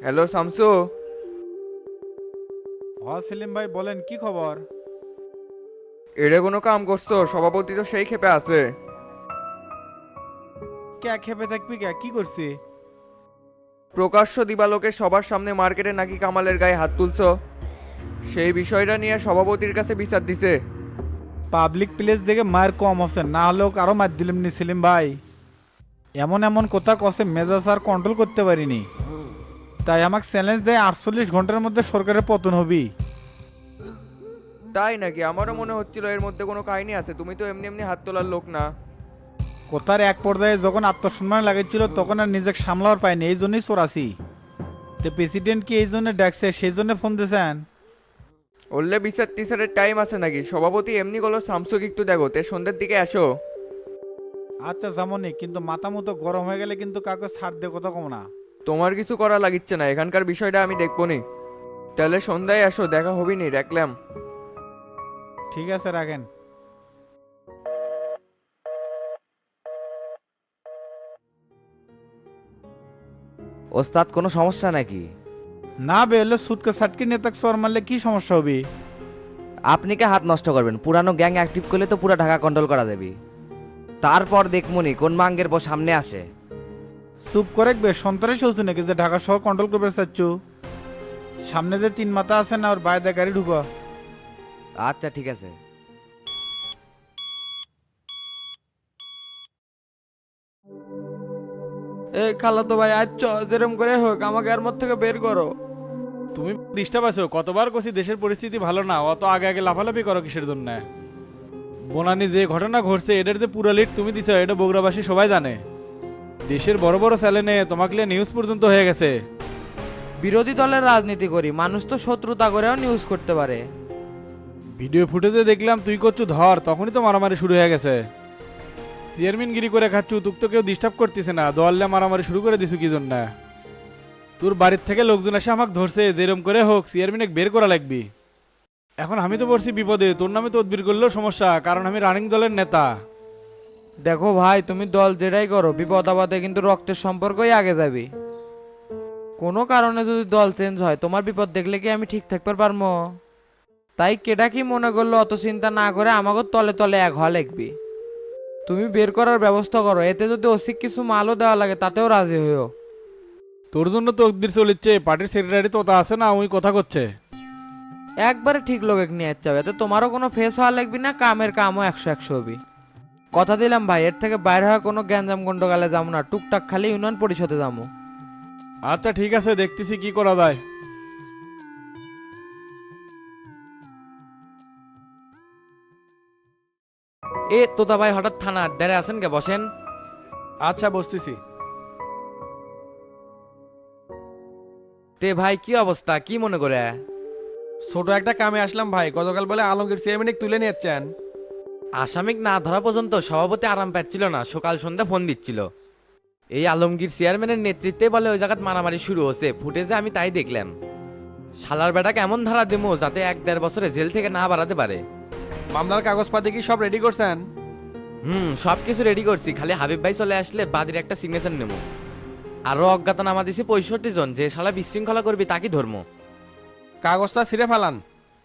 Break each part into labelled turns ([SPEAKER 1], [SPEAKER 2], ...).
[SPEAKER 1] Hello Shamsu.
[SPEAKER 2] Selim ভাই বলেন কি খবর?
[SPEAKER 1] এড়ে কোনো কাম করছো? সভাপতি তো সেই ক্ষেপে আছে।
[SPEAKER 2] কে খেপে থাকবি কে কি করছি?
[SPEAKER 1] প্রকাশ্য দিবালোকে সবার সামনে মার্কেটে নাকি কামালের গায়ে হাত তুলছো, সেই বিষয়টা নিয়ে সভাপতির কাছে বিচার দিছে।
[SPEAKER 2] পাবলিক প্লেস দেখে মায়ের কম আছে, না হলেও আরো মার দিলাম নি সেলিম ভাই। এমন এমন কথা কষে মেজাজ আর কন্ট্রোল করতে পারিনি, তাই আমাকে চ্যালেঞ্জ দেয় 48 ঘন্টার মধ্যে সরকারের পতন হবি।
[SPEAKER 1] তাই নাকি? আমারও মনে হচ্ছিল এর মধ্যে কোনো কাহিনী আছে, তুমি তো এমনি এমনি হাত তোলার লোক না।
[SPEAKER 2] কথার এক পর্যায়ে যখন আত্মসম্মান লাগাইছিল তখন আর নিজেকে সামলাবার পাইনি, এই জন্যই চোরাছি। তো প্রেসিডেন্ট কি এই জন্য ডাকছে, সেই জন্য ফোন দিয়েছেন?
[SPEAKER 1] বললে বিচার টিচারের টাইম আছে নাকি? সভাপতি এমনি গেলো শামসুকে একটু দেখো তে সন্ধ্যের দিকে আসো।
[SPEAKER 2] আচ্ছা যেমনই, কিন্তু মাথা মতো গরম হয়ে গেলে কিন্তু কাউকে ছাড় দিয়ে কথা কম না।
[SPEAKER 1] তোমার কিছু করা লাগিচ্ছে না, এখানকার বিষয়টা আমি দেখবো নি। তাহলে সন্ধ্যায় আসো, দেখা হবি নি, রাখলাম।
[SPEAKER 2] ঠিক আছে রাখেন।
[SPEAKER 3] ওস্তাদ কোনো সমস্যা নাকি?
[SPEAKER 2] না বেরোলে সুটকে সাটকে নিয়ে তাকে চর মারলে কি সমস্যা হবে?
[SPEAKER 3] আপনি কে হাত নষ্ট করবেন? পুরানো গ্যাং অ্যাক্টিভ করলে তো পুরো ঢাকা কন্ট্রোল করা যাবে। তারপর দেখমনি কোন মাঙ্গের পর সামনে আসে।
[SPEAKER 2] চুপ করে বে, সন্ত্রাসী হচ্ছে নাকি যে ঢাকা শহর কন্ট্রোল করবে চাচ্ছ? সামনে যে তিন মাথা আছে না, ওর বাইরে গাড়ি ঢুকো।
[SPEAKER 3] আচ্ছা ঠিক আছে।
[SPEAKER 1] এই খালাতো ভাই আচ্ছ, যেরম করে হোক আমাকে এর মধ্যে থেকে বের করো।
[SPEAKER 4] তুমি ডিস্টার্ব আছো, কতবার কছি দেশের পরিস্থিতি ভালো না, অত আগে আগে লাফালাফি করো কিসের জন্য? বনানি যে ঘটনা ঘটছে এটার যে পুরা লিড তুমি দিছো, এটা বগুড়াবাসী সবাই জানে। দেশের বড় বড় চ্যানেলে তোমাকে নিয়ে নিউজ পর্যন্ত হয়ে গেছে।
[SPEAKER 5] বিরোধী দলের রাজনীতি করি, মানুষ তো শত্রুতা করেও নিউজ করতে পারে।
[SPEAKER 4] ভিডিও ফুটেজে দেখলাম তুই করছু ধর, তখনই তো মারামারি শুরু হয়ে গেছে। চেয়ারম্যানগিরি করে খাচ্ছু, তুক তো কেউ ডিস্টার্ব করতেছে না, দোয়াল্লে মারামারি শুরু করে দিছু কি জন্য? তোর বাড়ির থেকে লোকজন এসে আমাকে ধরছে, যেরম করে হোক চেয়ারম্যানে বের করা লাগবি। এখন আমি তো পড়ছি বিপদে, তোর নামে তদবির করলেও সমস্যা, কারণ আমি রানিং দলের নেতা।
[SPEAKER 5] দেখো ভাই, তুমি দল যেটাই করো, বিপদ আপদে কিন্তু রক্তের সম্পর্কই আগে যাবি। কোনো কারণে যদি দল চেঞ্জ হয়, তোমার বিপদ দেখলে কি আমি ঠিক থাকতে পারবো? তাই কেডা কি মনে করলো অত চিন্তা না করে আমাকে তলে তলে এক হওয়া লাগবি। তুমি বের করার ব্যবস্থা করো, এতে যদি অসিক কিছু মালও দেওয়া লাগে তাতেও রাজি হইও।
[SPEAKER 4] তোর জন্য তদবির চলিচ্ছে, পার্টির সেক্রেটারি তো তা আছে না, ওই কথা করছে।
[SPEAKER 5] একবারে ঠিক লোকে নিয়ে যাচ্ছে হবে, এতে তোমারও কোনো ফেস হওয়া লাগবি না, কামের কামও 100-100 হবি। কথা দিলাম ভাই, এর থেকে বাইরে হওয়া কোনো গ্যাঞ্জাম গন্ডগালে যাবো না, টুকটাক খালি ইউনিয়ন পরিষদে যাবো।
[SPEAKER 4] আচ্ছা ঠিক আছে, দেখতেছি কি করা যায়।
[SPEAKER 5] এ তোতা ভাই হঠাৎ থানা আড্ডারে আছেন কে? বসেন।
[SPEAKER 4] আচ্ছা বসতেছি।
[SPEAKER 5] তে ভাই কি অবস্থা, কি মনে করে?
[SPEAKER 6] ছোট একটা কামে আসলাম ভাই, গতকাল বলে আলমগীর চেয়ারম্যান তুলে নিয়েছেন।
[SPEAKER 5] আসামিক না ধরা পর্যন্ত সভাপতি আরাম পাচ্ছিল না, সকাল সন্ধ্যা ফোন দিচ্ছিল। এই আলমগীর চেয়ারম্যানের নেতৃত্বে বলে ওই জায়গায় মারামারি শুরু হচ্ছে, ফুটেজে আমি তাই দেখলাম। শালার বেটা কেমন ধারা দেবো যাতে 1-1.5 বছরে জেল থেকে না বাড়াতে পারে?
[SPEAKER 6] মামলার কাগজপাতি কি সব রেডি করছেন?
[SPEAKER 5] সব কিছু রেডি করছি, খালি হাবিব ভাই চলে আসলে বাদীর একটা সিগনেচার নেবো। আরো অজ্ঞাতনামা দিছি 65 জন, যে শালা বিশৃঙ্খলা করবি তাকে ধর্ম।
[SPEAKER 6] কাগজটা ছিঁড়ে ফেলান।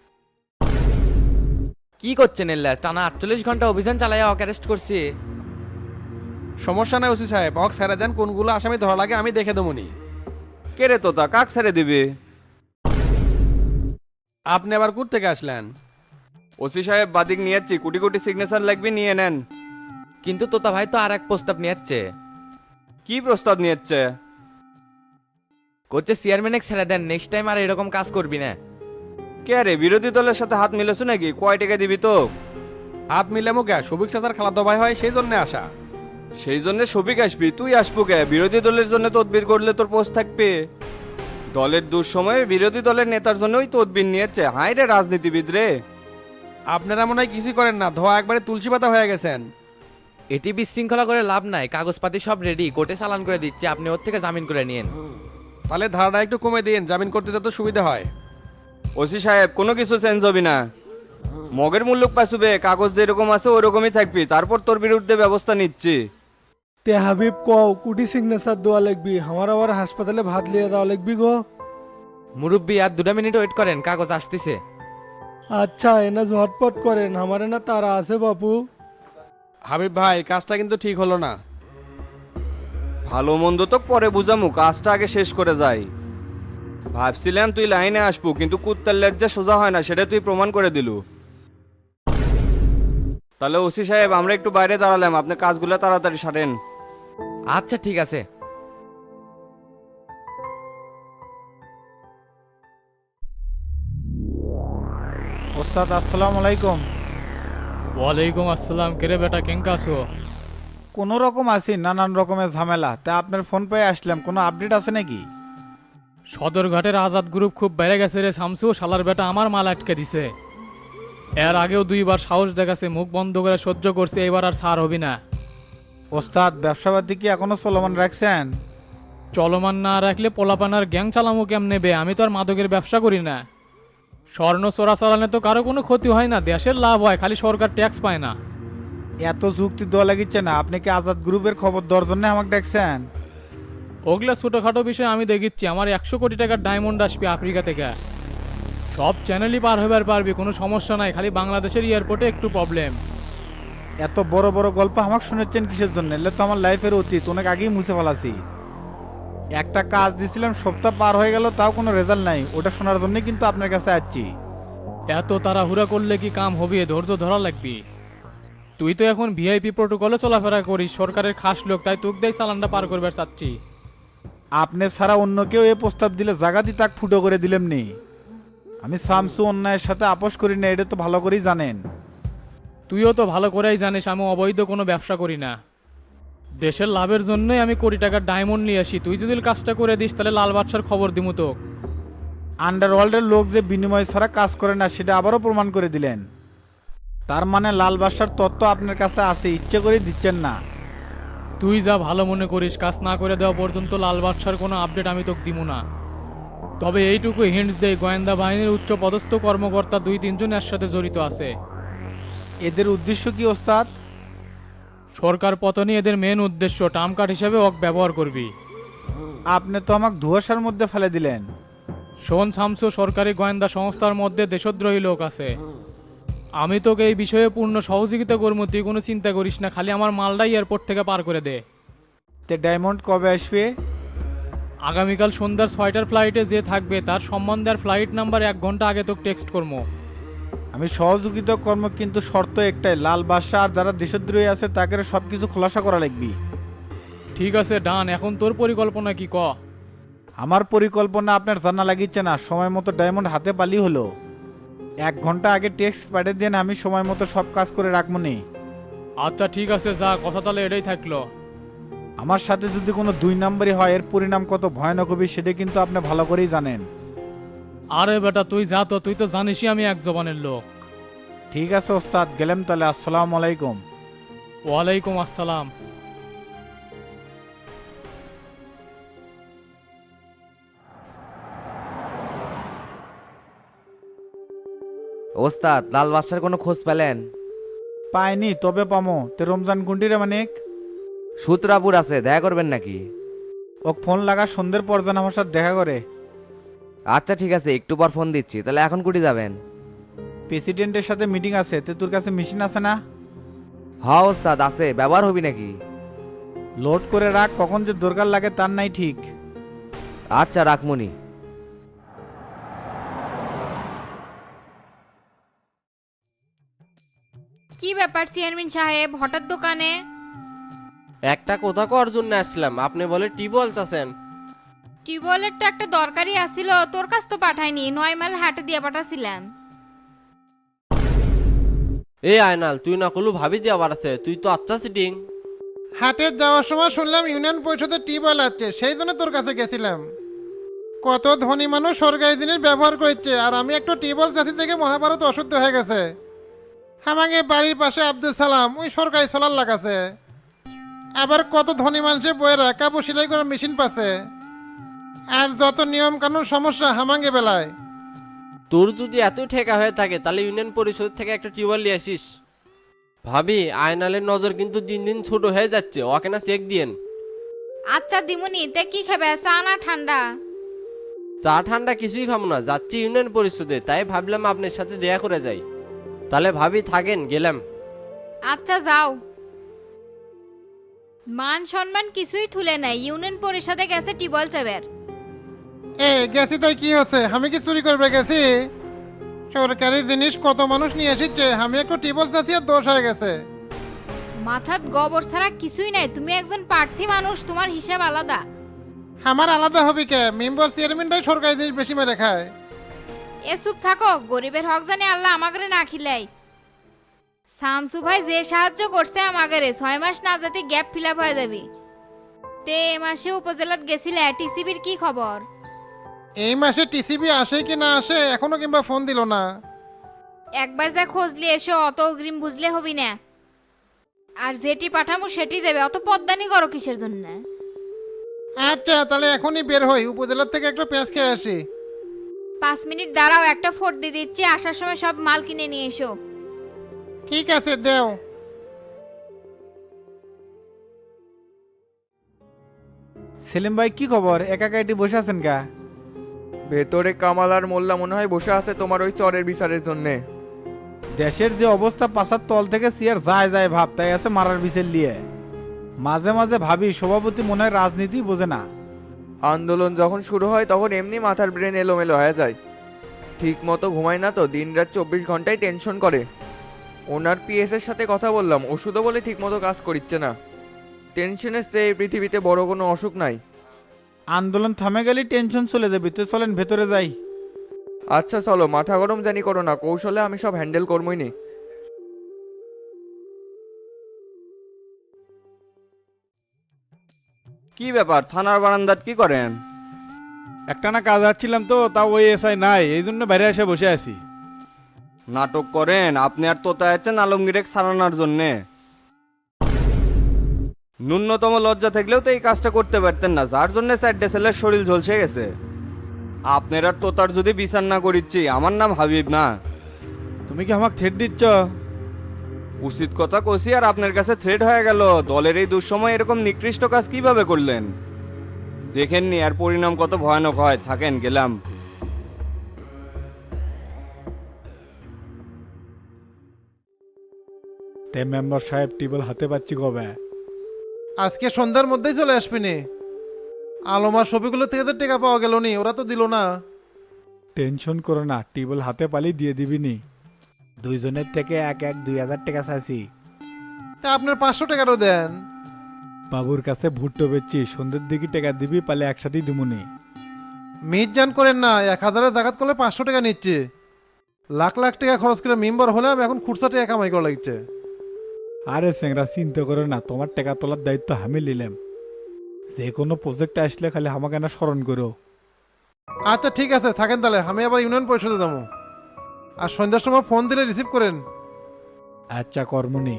[SPEAKER 5] কি করছেন এল্লা? টানা 48 ঘন্টা অভিযান চালাইয়া অক অ্যারেস্ট করছি।
[SPEAKER 6] সমস্যা নাই ওসি সাহেব, হক ছেড়ে দেন, কোনগুলো আসামি ধরা লাগে আমি দেখে দেবনি।
[SPEAKER 1] কে রে তোতা, কাক ছেড়ে দিবি?
[SPEAKER 6] আপনি আবার কোথা থেকে আসলেন?
[SPEAKER 1] ওসি সাহেব বাদিক নিয়ে যাচ্ছি, কোটি কোটি সিগনেচার লাগবে, নিয়ে নেন।
[SPEAKER 5] কিন্তু তোতা ভাই তো আর এক প্রস্তাব নিয়ে যাচ্ছে।
[SPEAKER 1] কি প্রস্তাব নিয়ে যাচ্ছে?
[SPEAKER 5] করছে চেয়ারম্যানে ছেড়ে দেন, নেক্সট টাইম আর এরকম কাজ করবি না।
[SPEAKER 1] কে রে, বিরোধী দলের সাথে হাত মিলেছো নাকি? কয় টাকা দিবি তো?
[SPEAKER 6] হাত মিলে মুখে সবিক চাচার খালাতো ভাই হয়, সেই জন্য আসা।
[SPEAKER 1] সেই জন্য সবিক আসবি? তুই আসবো কে? বিরোধী দলের জন্য তদবির করলে তোর পোস্ট থাকবে। দলের দুঃসময়ে বিরোধী দলের নেতার জন্যই তদবির নিয়েছে। হাই রে রাজনীতিবিদ রে।
[SPEAKER 6] আপনারা মনে হয় কিছুই করেন না, ধোয়া একবারে তুলসী পাতা হয়ে গেছেন।
[SPEAKER 5] এটি বিশৃঙ্খলা করে লাভ নাই, কাগজপাতি সব রেডি, কোর্টে চালান করে দিচ্ছে, আপনি ওর থেকে জামিন করে নিয়েন।
[SPEAKER 6] তাহলে ধারাটা একটু কমে দিন, জামিন করতে যত সুবিধা হয়।
[SPEAKER 1] ওসি সাহেব কোনো কিছু চেঞ্জ হবে না, মগের মূল্য পাইছুবে, কাগজ যেরকম আছে ওরকমই থাকবি, তারপর তোর বিরুদ্ধে ব্যবস্থা নিচ্ছি।
[SPEAKER 7] তে হাবিব কও কুটি সিগনেচার দেওয়া লাগবি আমার আবার হাসপাতালে ভাত লিয়ে দেওয়া লাগবি গো।
[SPEAKER 5] মুরব্বী আর 2 মিনিট ওয়েট করেন, কাগজ আসতেছে।
[SPEAKER 7] আচ্ছা এনা ঝটপট করেন, আমারে না তারা আছে বাপু।
[SPEAKER 6] হাবিব ভাই কাজটা কিন্তু ঠিক হলো না।
[SPEAKER 1] ভালো মন্দ তো পরে বুঝামু, কাজটা আগে শেষ করে যাই। ভাবছিলাম তুই লাইনে আসবো, কিন্তু কুত্তার লজ্জা সোজা হয় না, সেটা তুই প্রমাণ করে দিলু। তাহলে ওসি সাহেব আমরা একটু বাইরে দাঁড়ালাম, আপনি কাজগুলো তাড়াতাড়ি সারেন।
[SPEAKER 5] আচ্ছা ঠিক আছে।
[SPEAKER 2] ওস্তাদ আসসালামু আলাইকুম।
[SPEAKER 8] ওয়ালাইকুম আসসালাম। কেরে বেটা কেঙ্কা আছো?
[SPEAKER 2] কোনো রকম আছি, নানান রকমের ঝামেলা, তা আপনার ফোন পেয়ে আসলাম, কোনো আপডেট আছে নাকি?
[SPEAKER 8] সদরঘাটের আজাদ গ্রুপ খুব বেড়ে গেছে রে শামসু, শালার বেটা আমার মাল আটকে দিছে। এর আগেও 2বার সাহস দেখাছে, মুখ বন্ধ করে সহ্য করছে, এবার আর ছাড় হবি না।
[SPEAKER 2] ওস্তাদ ব্যবসাবাদী কি এখনো চলমান রাখছেন?
[SPEAKER 8] চলমান না রাখলে পোলাপানার গ্যাং চালামো কেমনে বে? আমি তো আর মাদকের ব্যবসা করি না। স্বর্ণ চোরা চালানে তো কারো কোনো ক্ষতি হয় না, দেশের লাভ হয়, খালি সরকার ট্যাক্স পায় না।
[SPEAKER 2] এত যুক্তি দেওয়া লাগিচ্ছে না, আপনি কি আজাদ গ্রুপের খবর দেওয়ার জন্য আমাকে দেখছেন?
[SPEAKER 8] ওগুলা ছোটোখাটো বিষয় আমি দেখিচ্ছি, আমার 100 কোটি টাকার ডায়মন্ড আসবে আফ্রিকা থেকে। সব চ্যানেলই পার হবার পারবি, কোনো সমস্যা নাই, খালি বাংলাদেশের এয়ারপোর্টে একটু প্রবলেম।
[SPEAKER 2] এত বড় বড় গল্প আমাকে শুনেছেন কিসের জন্য? এলে তো আমার লাইফের অতীত, অনেক আগেই মুছে ফেলাছি। একটা কাজ দিছিলাম, সপ্তাহ পার হয়ে গেল, তাও কোনো রেজাল্ট নাই, ওটা শোনার জন্যই কিন্তু আপনার কাছে আসছি।
[SPEAKER 8] এত তাড়াহুড়া করলে কি কাম হবে? ধৈর্য ধরা লাগবি। তুই তো এখন ভিআইপি প্রোটোকলে চলাফেরা করিস, সরকারের খাস লোক, তাই তোকে দেয় চালানটা পার করবার চাচ্ছি।
[SPEAKER 2] আপনি ছাড়া অন্য কেউ এই প্রস্তাব দিলে জাগাতি তাক ফুটো করে দিলেন নি। আমি শামসু অন্যায়ের সাথে আপোষ করি না, এটা তো ভালো করেই জানেন।
[SPEAKER 8] তুইও তো ভালো করেই জানিস আমি অবৈধ কোনো ব্যবসা করি না। দেশের লাভের জন্যই আমি কোটি টাকার ডায়মন্ড নিয়ে আসি। তুই যদি কাজটা করে দিস তাহলে লাল বাদশার খবর দিমু তো।
[SPEAKER 2] আন্ডারওয়ার্ল্ডের লোক যে বিনিময় ছাড়া কাজ করে না, সেটা আবারও প্রমাণ করে দিলেন। তার মানে লাল বাদশার তত্ত্ব আপনার কাছে আছে, ইচ্ছে করে দিচ্ছেন না।
[SPEAKER 8] তুই যা ভালো মনে করিস, কাজ না করে দেওয়া পর্যন্ত লাল বাদশার কোনো আপডেট আমি তোকে দিমু না। তবে এইটুকু হিন্টস দেই, গোয়েন্দা বাহিনীর উচ্চ পদস্থ কর্মকর্তা 2-3 জন এর সাথে জড়িত আছে।
[SPEAKER 2] এদের উদ্দেশ্য কি ওস্তাদ?
[SPEAKER 8] সরকার পতনই এদের মেন উদ্দেশ্য, টার্ম কার্ড হিসেবে ওক ব্যবহার করবি।
[SPEAKER 2] আপনি তো আমাকে ধোঁয়াশার মধ্যে ফেলে দিলেন।
[SPEAKER 8] শোন শামসু, সরকারি গোয়েন্দা সংস্থার মধ্যে দেশদ্রোহী লোক আছে। আমি তোকে এই বিষয়ে পূর্ণ সহযোগিতা করবো, তুই কোনো চিন্তা করিস না, খালি আমার মালটাই এয়ারপোর্ট থেকে পার করে দে।
[SPEAKER 2] তে ডায়মন্ড কবে আসবে?
[SPEAKER 8] আগামীকাল সন্ধ্যার 6টার ফ্লাইটে যে থাকবে তার সম্বন্ধে আর ফ্লাইট নাম্বার 1 ঘন্টা আগে তোকে টেক্সট করবো।
[SPEAKER 2] আমি সহযোগিতা কর্ম, কিন্তু শর্ত একটাই, লাল বাদশা আর যারা দেশদ্রোহী আছে তাকে সবকিছু খোলাসা করা লাগবে।
[SPEAKER 8] ঠিক আছে ডান, এখন তোর পরিকল্পনা কি ক?
[SPEAKER 2] আমার পরিকল্পনা আপনার জানা লাগিচ্ছে না, সময় মতো ডায়মন্ড হাতে পালি হলো। 1 ঘন্টা আগে টেক্সট পাঠিয়ে দেন, আমি সময় মতো সব কাজ করে রাখবো নি।
[SPEAKER 8] আচ্ছা ঠিক আছে, যা কথা তাহলে এটাই থাকলো।
[SPEAKER 2] আমার সাথে যদি কোনো 2 নম্বরই হয়, এর পরিণাম কত ভয়ানক হবে সেটা কিন্তু আপনি ভালো করেই জানেন।
[SPEAKER 8] আরে বেটা তুই যা তো, তুই তো জানিসই আমি এক জবানের লোক।
[SPEAKER 2] ঠিক আছে ওস্তাদ, গেলাম তাহলে, আসসালামু আলাইকুম।
[SPEAKER 8] ওয়ালাইকুম আসসালাম।
[SPEAKER 3] ওস্তাদ লাল বাদশার কোনো খোঁজ পেলেন?
[SPEAKER 2] পাইনি, তবে পামো। তে রমজান গুন্ডিরে মানিক
[SPEAKER 3] সূত্রাপুর আছে, দেখা করবেন নাকি?
[SPEAKER 2] ও ফোন লাগা সন্ধ্যের পর যেন আমার সাথে দেখা করে।
[SPEAKER 3] আচ্ছা ঠিক আছে, একটু পর ফোন দিচ্ছি। তাহলে এখন কুটি যাবেন?
[SPEAKER 2] প্রেসিডেন্টের সাথে মিটিং আছে, তে তোর কাছে মেশিন আছে না?
[SPEAKER 3] হ্যাঁ ওস্তাদ আছে, ব্যবহার হবি নাকি?
[SPEAKER 2] লোড করে রাখ, কখন যে দরকার লাগে তার নাই ঠিক।
[SPEAKER 3] আচ্ছা রাখমনি।
[SPEAKER 9] কি ব্যাপার চেয়ারম্যান সাহেব, হঠাৎ দোকানে?
[SPEAKER 10] একটা কথা কর জন্য আসলাম, আপনি বলে টিউবওয়েল আছেন।
[SPEAKER 9] টিউবওয়েলের তো একটা দরকারি আসছিল, তোর কাছ তো পাঠাইনি, 9 মাইল হাটে দিয়ে পাঠাছিলাম।
[SPEAKER 10] এই আয়নাল, তুই না কলু ভাবি দিয়ে আবার আছে, তুই তো আচ্ছা সিটিং।
[SPEAKER 7] হাটে যাওয়ার সময় শুনলাম ইউনিয়ন পরিষদের টিউবওয়েল আছে, সেই জন্য তোর কাছে গেছিলাম। কত ধনী মানুষ সরকারি জিনিস ব্যবহার করছে, আর আমি একটু টিউবওয়েল চাষি থেকে মহাভারত অশুদ্ধ হয়ে গেছে। আমাকে বাড়ির পাশে আব্দুল সালাম ওই সরকারি সোলার লাগাছে। আবার কত ধনী মানুষের বইয়ের কাপড় সেলাই করার মেশিন পাচ্ছে। আর যত নিয়ম কানুন সমস্যা হামাঙ্গে বেলায়।
[SPEAKER 10] তোর যদি এত ঠেকা হয়ে থাকে তাহলে ইউনিয়ন পরিষদ থেকে একটা টিউবওয়েল নিয়ে আসিস। ভাবি আয়নালের নজর কিন্তু দিন দিন ছোট হয়ে যাচ্ছে, ওকে না চেক দিয়েন।
[SPEAKER 9] আচ্ছা দিমুনি, তে কি খাবে, চা না ঠান্ডা?
[SPEAKER 10] চা ঠান্ডা কিছুই খাবো না, যাচ্ছি ইউনিয়ন পরিষদে, তাই ভাবলাম আপনার সাথে দেখা করে যাই। তাহলে ভাবি থাকেন, গেলাম।
[SPEAKER 9] আচ্ছা যাও। মান সম্মান কিছুই তুলে নাই, ইউনিয়ন পরিষদে গেছে টিবল চাবের।
[SPEAKER 7] গেছি তাই কি হচ্ছে? আমি কি চুরি করবে গেছি? সরকারি জিনিস কত মানুষ নিয়ে এসেছে, আমি একটু টিবল চাচ্ছি আর দোষ হয়ে গেছে।
[SPEAKER 9] মাথাত গোবর ছাড়া কিছুই নাই, তুমি একজন প্রার্থী মানুষ, তোমার হিসাব আলাদা।
[SPEAKER 7] আমার আলাদা হবে কে? মেম্বার চেয়ারম্যানটাই সরকারি জিনিস বেশি মেরে খায়।
[SPEAKER 9] এ চুপ থাকো, গরিবের হক জানি আল্লাহ আমাগরে না খিলাই। শামসু ভাই যে সাহায্য করছে আমাগরে, 6 মাস না যেতে গ্যাপ ফিল আপ হয়ে যাবি। তে এ মাসে উপজেলাত গেছিলে, টিসিবির কি খবর?
[SPEAKER 7] এই মাসে টিসিবি আসে কি না আসে এখনো কিংবা ফোন দিল না।
[SPEAKER 9] একবার যা খোঁজলি এসো, অত অগ্রিম বুঝলে হবি না। আর যেটি পাঠামু সেটি যাবে, অত পদ্মানি করো কিসের জন্য?
[SPEAKER 7] আচ্ছা তাহলে এখনই বের হই, উপজেলার থেকে একটু পেঁয়াজ খেয়ে আসি।
[SPEAKER 9] 5 মিনিট দাঁড়াও, একটা ফোট দিয়ে দিচ্ছি, আসার সময় সব মাল কিনে নিয়ে এসো।
[SPEAKER 7] ঠিক আছে দেও।
[SPEAKER 2] সেলিম ভাই কি খবর? একা এটি বসে আছেন কা?
[SPEAKER 11] ভেতরে কামাল আর মোল্লা মনে হয় বসে আছে তোমার ওই চরের বিচারের জন্যে।
[SPEAKER 2] দেশের যে অবস্থা, পাশার তল থেকে চেয়ার যায় যায় ভাব, তাই আছে মারার বিচার লিয়ে। মাঝে মাঝে ভাবি সভাপতি মনে হয় রাজনীতি বোঝে না।
[SPEAKER 11] আন্দোলন যখন শুরু হয় তখন এমনি মাথার ব্রেন এলোমেলো হয়ে যায়। ঠিক মতো ঘুমায় না তো, দিন রাত 24 ঘন্টায় টেনশন করে। ওনার পিএস এর সাথে কথা বললাম, ওষুধও বলে ঠিক মতো কাজ করিচ্ছে না। টেনশনের চেয়ে পৃথিবীতে বড় কোনো অসুখ নাই।
[SPEAKER 2] আন্দোলন থামে গেলে টেনশন চলে যাবে, তো চলেন ভেতরে যাই।
[SPEAKER 11] আচ্ছা চলো, মাথা গরম জানি করো না, কৌশলে আমি সব হ্যান্ডেল করবই নি।
[SPEAKER 1] কি ব্যাপার, থানার বারান্দাত কি করেন?
[SPEAKER 4] একটা না কাজ আসছিলাম তো, তাও ওই এসআই নাই, এই জন্য বাইরে এসে বসে আছি।
[SPEAKER 1] নাটক করেন? আপনি আর তোতা আছেন আলমগীরেক সারানোর জন্যে। ন্যূনতম লজ্জা থাকলেও তো এই কাজটা করতে পারতেন না, যার জন্য 4 ছেলের শরীর ঝলসে গেছে। আপনার আর তোতার যদি বিচার না করিচ্ছি, আমার নাম হাবিব না।
[SPEAKER 4] তুমি কি আমাকে থ্রেট দিচ্ছ?
[SPEAKER 1] উচিত কথা কষি আর আপনার কাছে থ্রেড হয়ে গেল। দলের এই দুঃসময় এরকম নিকৃষ্ট কাজ কিভাবে করলেন? দেখেননি আর পরিণাম কত ভয়ানক হয়। থাকেন, গেলাম।
[SPEAKER 2] তে মেম্বার সাহেব টিবল হাতে পাচ্ছি কবে?
[SPEAKER 7] আজকে সন্ধ্যার মধ্যেই চলে আসবি নি। আলমার ছবিগুলো থেকে তো টাকা পাওয়া গেল নি, ওরা তো দিল না।
[SPEAKER 2] টেনশন করো না, টিবল হাতে পালি দিয়ে দিবি নি। দুইজনের থেকে এক 2000 টাকা চাইছি।
[SPEAKER 7] তা আপনার 500 টাকারও দেন।
[SPEAKER 2] বাবুর কাছে ভুট্টো বেচছি, সন্ধ্যের দিকে টাকা দিবি, পালে একসাথেই দিমুনি।
[SPEAKER 7] মিট জান করেন না, 1000-এর জাকাত করলে 500 টাকা নিচ্ছে। লাখ লাখ টাকা খরচ করে মেম্বার হলে আমি এখন খুচরা টাকা কামাই করা লাগছে।
[SPEAKER 2] আরে সেংরা চিন্তা করো না, তোমার টাকা তোলার দায়িত্ব আমি নিলাম। যে কোনো প্রজেক্ট আসলে খালি আমাকে না স্মরণ করো।
[SPEAKER 7] আচ্ছা ঠিক আছে, থাকেন তাহলে, আমি আবার ইউনিয়ন পরিষদে যাবো। আর সন্ধ্যার সময় ফোন দিলে রিসিভ করেন।
[SPEAKER 2] আচ্ছা কর্মনি।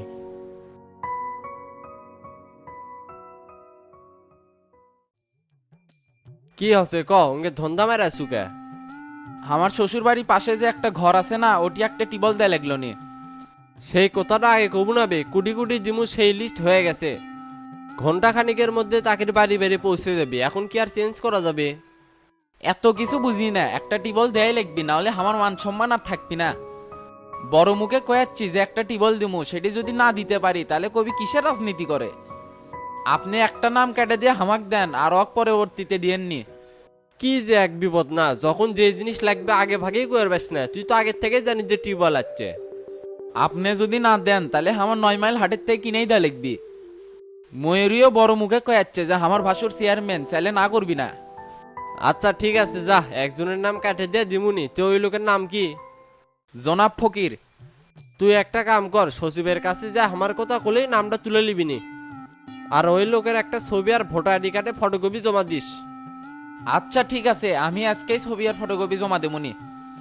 [SPEAKER 10] কি হচ্ছে ক, ওকে ধন্দা মেরা সুকে?
[SPEAKER 5] আমার শ্বশুর বাড়ির পাশে যে একটা ঘর আছে না, ওটি একটা টিবল দেয় লাগলো নি।
[SPEAKER 10] সেই কথাটা আগে কব না বে, কুটি কুটি দিমু সেই লিস্ট হয়ে গেছে। ঘন্টা খানিকের মধ্যে তাকের বাড়ি বেড়ে পৌঁছে যাবে, এখন কি আর চেঞ্জ করা যাবে?
[SPEAKER 5] এত কিছু বুঝি না, একটা টিবল দেয় লিখবি, না হলে আমার মান সম্মান আর থাকবি না। বড় মুখে কয়াচ্ছি যে একটা টিবল দিমু, সেটি যদি না দিতে পারি তাহলে কবি কিসের রাজনীতি করে? আপনি একটা নাম কেটে দিয়ে হামাক দেন, আর অক পরবর্তীতে দিয়েননি।
[SPEAKER 10] কি যে এক বিপদ না, যখন যে জিনিস লাগবে আগে ভাগেই করবেস না, তুই তো আগের থেকে জানিস যে টিউবওয়েল আছে।
[SPEAKER 5] আপনি যদি না দেন তাহলে আমার 9 মাইল হাটের থেকে কিনেই দেয়া লিখবি। ময়ূরীও বড় মুখে কয়াচ্ছে যে আমার ভাসুর চেয়ারম্যান, চাইলে না করবি না।
[SPEAKER 10] আচ্ছা ঠিক আছে, যা, একজনের নাম কাটে দিয়ে দিমুনি। তো ওই লোকের নাম কি?
[SPEAKER 5] জনাব ফকির।
[SPEAKER 10] তুই একটা কাম কর, সচিবের কাছে যা, আমার কথা বলেই নামটা তুলে নিবিনি। আর ওই লোকের একটা ছবি আর ভোটার আইডি কার্ডে ফটোকপি জমা দিস।
[SPEAKER 5] আচ্ছা ঠিক আছে, আমি আজকেই ছবি আর ফটোকপি জমা দেবনি।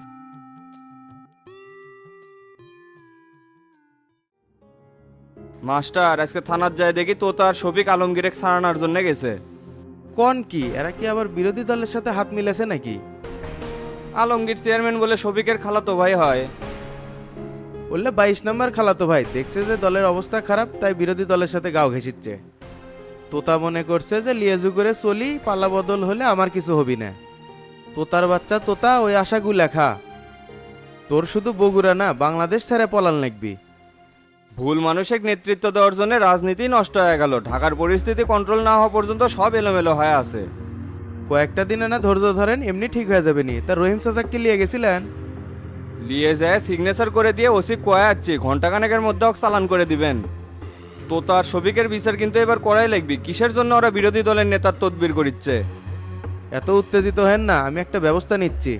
[SPEAKER 1] মাস্টার, আজকে থানার যায় দেখি তোতা আর শফিক আলমগীরেক সারানোর জন্য গেছে।
[SPEAKER 11] কোন কি এরা কি আবার বিরোধী দলের সাথে হাত মিলেছে নাকি?
[SPEAKER 1] আলমগীর চেয়ারম্যান বলে শফিকের খালাতো ভাই হয়।
[SPEAKER 12] বললে 22 নম্বর খালাতো ভাই দেখছে যে দলের অবস্থা খারাপ, তাই বিরোধী দলের সাথে গাও ঘেঁষিচ্ছে। তোতা মনে করছে যে লিয়েজু করে চলি, পাল্লা বদল হলে আমার কিছু হবি না। তোতার বাচ্চা তোতা, ওই আশাগু লেখা। তোর শুধু বগুড়া না, বাংলাদেশ ছেড়ে পলান লাগবি।
[SPEAKER 1] ভুল মানুষের নেতৃত্ব দেওয়ার জন্য রাজনীতি নষ্ট হয়ে গেল। ঢাকার পরিস্থিতি কন্ট্রোল না হওয়া পর্যন্ত সব এলোমেলো হয়ে আছে।
[SPEAKER 12] কয়েকটা দিনে না ধৈর্য ধরেন, এমনি ঠিক হয়ে যাবে নি। তা রহিম চাচাকে নিয়ে গেছিলেন?
[SPEAKER 1] নিয়ে যায় সিগনেচার করে দিয়ে ওসি কয়ে যাচ্ছি, ঘন্টাখানেকের মধ্যে ওকে চালান করে দিবেন। তো তার শফিকের বিচার কিন্তু এবার করাই লাগবে। কিসের জন্য ওরা বিরোধী দলের নেতার তদবির করিচ্ছে?
[SPEAKER 12] এত উত্তেজিত হেন না, আমি একটা ব্যবস্থা নিচ্ছি।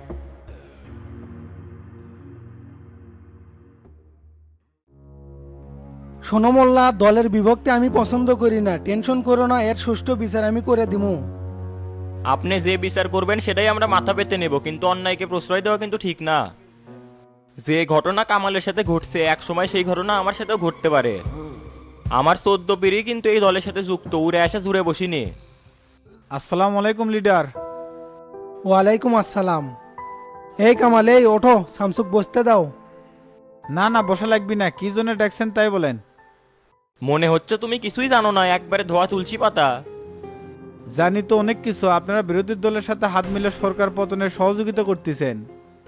[SPEAKER 13] শোনো মোল্লা, দলের বিভক্তি আমি পছন্দ করি না। টেনশন করো না, এর সুষ্ঠু বিচার আমি করে দিমু।
[SPEAKER 14] আপনি যে বিচার করবেন সেটাই আমরা মাথা পেতে নেব, কিন্তু অন্যায়কে প্রশ্রয় দেওয়া কিন্তু ঠিক না। যে ঘটনা কামালের সাথে ঘটছে, এক সময় সেই ঘটনা আমার সাথেও ঘটতে পারে। আমার 14 পিঢ়ি কিন্তু এই দলের সাথে যুক্ত, উড়ে আসা জুড়ে বসিনি।
[SPEAKER 2] আসসালামু আলাইকুম লিডার।
[SPEAKER 13] ওয়ালাইকুম আসসালাম। এই কামাল, এই ওঠো, শামসুক বসতে দাও।
[SPEAKER 2] না না, বসা লাগবি না। কি জন্য ডাকছেন তাই বলেন।
[SPEAKER 14] মনে হচ্ছে তুমি কিছুই জানো না, একবারে ধোয়া তুলসী পাতা।
[SPEAKER 2] জানি তো অনেক কিছু। আপনারা বিরোধী দলের সাথে হাত মিলে সরকার পতনের সহযোগিতা করতেছেন।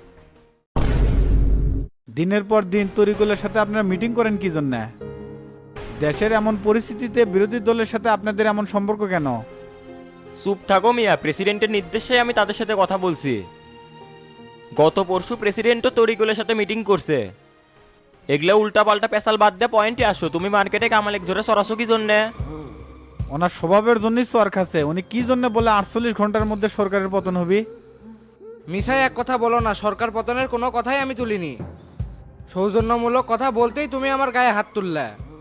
[SPEAKER 2] দিনের পর দিন তরিকুলের সাথে আপনারা মিটিং করেন কি জন্য? দেশের এমন পরিস্থিতিতে বিরোধী দলের সাথে আপনাদের এমন সম্পর্ক কেন?
[SPEAKER 14] চুপ থাকো মিয়া, প্রেসিডেন্টের নির্দেশে আমি তাদের সাথে কথা বলছি। গত পরশু প্রেসিডেন্টও তরিকুলের সাথে মিটিং করছে। এগুলো উল্টা পাল্টা পেশাল বাদ দিয়ে পয়েন্টে আসো। তুমি মার্কেটে কামালেক ধরে সরাসো কি জন্যে?
[SPEAKER 2] ওনার স্বভাবের জন্যই চর খাচ্ছে। উনি কি জন্য বলে 48 ঘন্টার মধ্যে সরকারের পতন হবে?
[SPEAKER 3] মিসাই এক কথা বলো না, সরকার পতনের কোনো কথাই আমি তুলিনি। সৌজন্যমূলক কথা বলতেই তুমি আমার গায়ে হাত তুললে।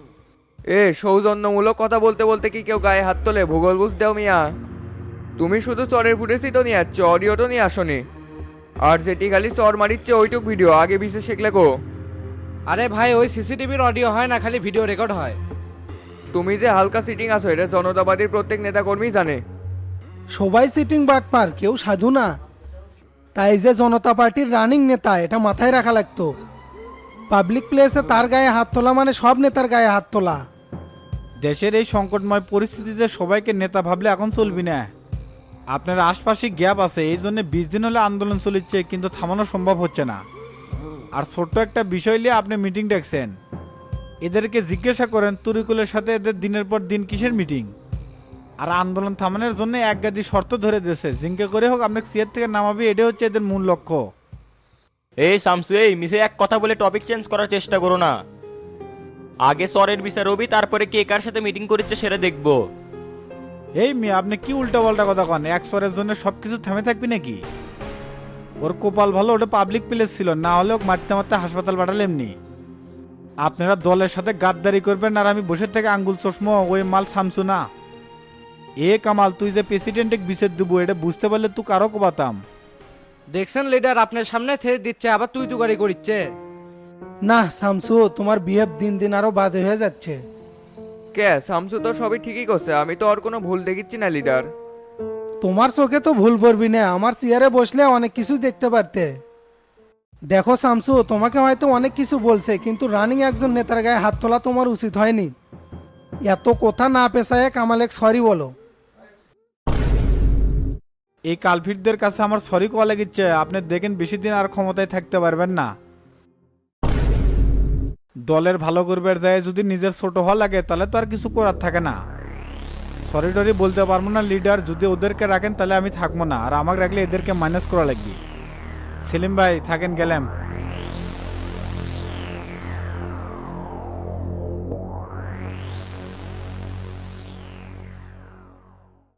[SPEAKER 11] সৌজন্যমূলক কথা বলতে বলতে কি কেউ গায়ে হাত তোলে? ভূগোল বুঝ দেও মিয়া। তুমি শুধু চরের ফুটেছি তো নিয়ে আসছো, অডিও তো নিয়ে আসনি। আর যেটি খালি চর মারিচ্ছে ওইটুক ভিডিও, আগে বিশেষ শিখলে গো।
[SPEAKER 3] আরে ভাই, ওই সিসিটিভির অডিও হয় না, খালি ভিডিও রেকর্ড হয়।
[SPEAKER 11] তুমি যে হালকা সিটিং আছো এটা জনতাবাদীর প্রত্যেক নেতাকর্মী জানে।
[SPEAKER 13] সবাই সিটিং বাটপার, কেউ সাধু না। তাই যে জনতা পার্টির রানিং নেতা, এটা মাথায় রাখা লাগতো। পাবলিক প্লেসে তার গায়ে হাত তোলা মানে সব নেতার গায়ে হাত তোলা।
[SPEAKER 2] দেশের এই সংকটময় পরিস্থিতিতে সবাইকে নেতা ভাবলে এখন চলবি না। আপনার আশপাশে গ্যাপ আছে, এই জন্য 20 দিন হলে আন্দোলন চলিচ্ছে, কিন্তু থামানো সম্ভব হচ্ছে না। আর ছোট্ট একটা বিষয় নিয়ে আপনি মিটিং ডাকছেন। এদেরকে জিজ্ঞাসা করেন তরিকুলের সাথে এদের দিনের পর দিন কিসের মিটিং। আর আন্দোলন থামানোর জন্য এক গাদি শর্ত ধরে দিয়েছে, জিঙ্কে করে হোক আপনাকে চেয়ার থেকে নামাবি, এটা হচ্ছে এদের মূল লক্ষ্য।
[SPEAKER 14] এই শামসু, এই মিসে এক কথা বলে টপিক চেঞ্জ করার চেষ্টা করো না। আগে সরের বিচার হবি, তারপরে কে কার সাথে মিটিং করছে সেটা দেখবো।
[SPEAKER 2] এই মেয়ে, আপনি কি উল্টা পাল্টা কথা কন? এক সরের জন্য সবকিছু থেমে থাকবি নাকি? ওর কপাল ভালো, ওটা পাবলিক প্লেস ছিল, না হলে ওকে মারতে মারতে হাসপাতাল পাঠালে এমনি। আপনারা দলের সাথে গাদ্দারি করবেন আর আমি বসে থেকে আঙ্গুল চশমো, ওই মাল শামসু না। এ কামাল, তুই যে প্রেসিডেন্টকে বিচার দেবো এটা বুঝতে পারলে তুই কারো কোবাতাম।
[SPEAKER 3] দেখছেন লিডার, আপনার সামনে থেরে দিচ্ছে, আবার তুই তুকারি করিচ্ছে।
[SPEAKER 13] না শামসু, তোমার বিহেভ দিন দিন আরো বাজে হয়ে যাচ্ছে।
[SPEAKER 11] কে শামসু তো সবই ঠিকই করছে, আমি তো আর কোনো ভুল দেখিচ্ছি না লিডার।
[SPEAKER 13] তোমার চোখে তো ভুল পড়বি না, আমার চেয়ারে বসলে অনেক কিছু দেখতে পারতে। দেখো শামসু, তোমাকে হয়তো অনেক কিছু বলছে, কিন্তু রানিং একজন নেতার গায়ে হাত তোলা তোমার উচিত হয়নি। এত কথা না পেশায় কামালেক সরি বলো।
[SPEAKER 2] এই কালফিটদের কাছে আমার সরি কোয়া লাগিচ্ছে। আপনি দেখেন বেশি দিন আর ক্ষমতায় থাকতে পারবেন না। দলের ভালো করবার যায় যদি নিজের ছোট হওয়া লাগে তাহলে তো আর কিছু করার থাকে না। সরি টরি বলতে পারবো না লিডার, যদি ওদেরকে রাখেন তাহলে আমি থাকবো না, আর আমাকে রাখলে এদেরকে মাইনাস করা লাগবে। সেলিম ভাই থাকেন, গেলাম।